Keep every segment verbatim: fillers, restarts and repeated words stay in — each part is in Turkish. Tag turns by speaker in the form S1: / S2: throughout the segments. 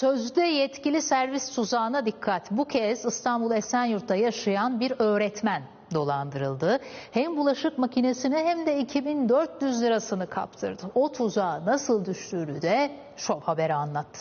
S1: Sözde yetkili servis tuzağına dikkat. Bu kez İstanbul Esenyurt'ta yaşayan bir öğretmen dolandırıldı. Hem bulaşık makinesini hem de iki bin dört yüz lirasını kaptırdı. O tuzağa nasıl düştüğünü de Şov Haber'e anlattı.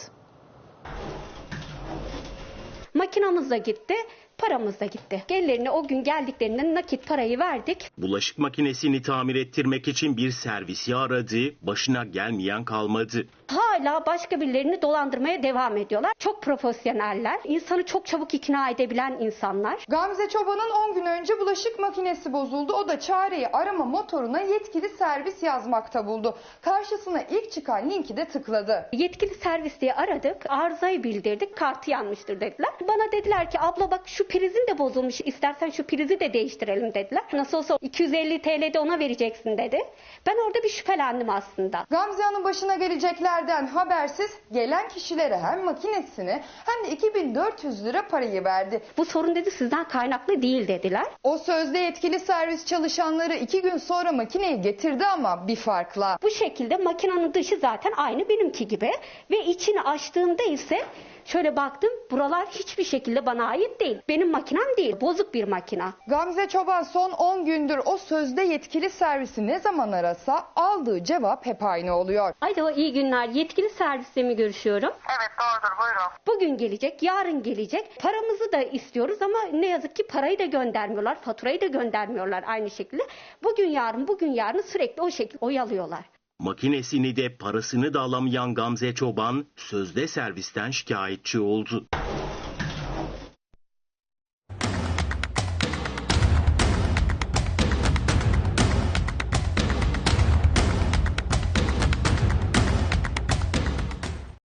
S2: Makinamız da gitti, paramız da gitti. Gelirlerine o gün geldiklerinde nakit parayı verdik.
S3: Bulaşık makinesini tamir ettirmek için bir servisi aradı, başına gelmeyen kalmadı.
S2: Hala başka birilerini dolandırmaya devam ediyorlar. Çok profesyoneller, insanı çok çabuk ikna edebilen insanlar.
S4: Gamze Çoban'ın on gün önce bulaşık makinesi bozuldu. O da çareyi arama motoruna yetkili servis yazmakta buldu. Karşısına ilk çıkan linki de tıkladı.
S2: Yetkili servis diye aradık, arızayı bildirdik, kartı yanmıştır dediler. Bana dediler ki abla bak şu prizin de bozulmuş, istersen şu prizi de değiştirelim dediler. Nasıl olsa iki yüz elli TL de ona vereceksin dedi. Ben orada bir şüphelendim aslında.
S4: Gamze Hanım başına geleceklerden habersiz gelen kişilere hem makinesini hem de iki bin dört yüz lira parayı verdi.
S2: Bu sorun dedi sizden kaynaklı değil dediler.
S4: O sözde yetkili servis çalışanları iki gün sonra makineyi getirdi ama bir farkla.
S2: Bu şekilde makinenin dışı zaten aynı benimki gibi ve içini açtığımda ise şöyle baktım, buralar hiçbir şekilde bana ait değil. Benim makinem değil, bozuk bir makina.
S4: Gamze Çoban son on gündür o sözde yetkili servisi ne zaman arasa aldığı cevap hep aynı oluyor.
S2: Alo, iyi günler. Yetkili servisle mi görüşüyorum?
S5: Evet doğrudur, buyurun.
S2: Bugün gelecek, yarın gelecek. Paramızı da istiyoruz ama ne yazık ki parayı da göndermiyorlar, faturayı da göndermiyorlar aynı şekilde. Bugün yarın, bugün yarın sürekli o şekilde oyalıyorlar.
S3: Makinesini de parasını da alamayan Gamze Çoban sözde servisten şikayetçi oldu.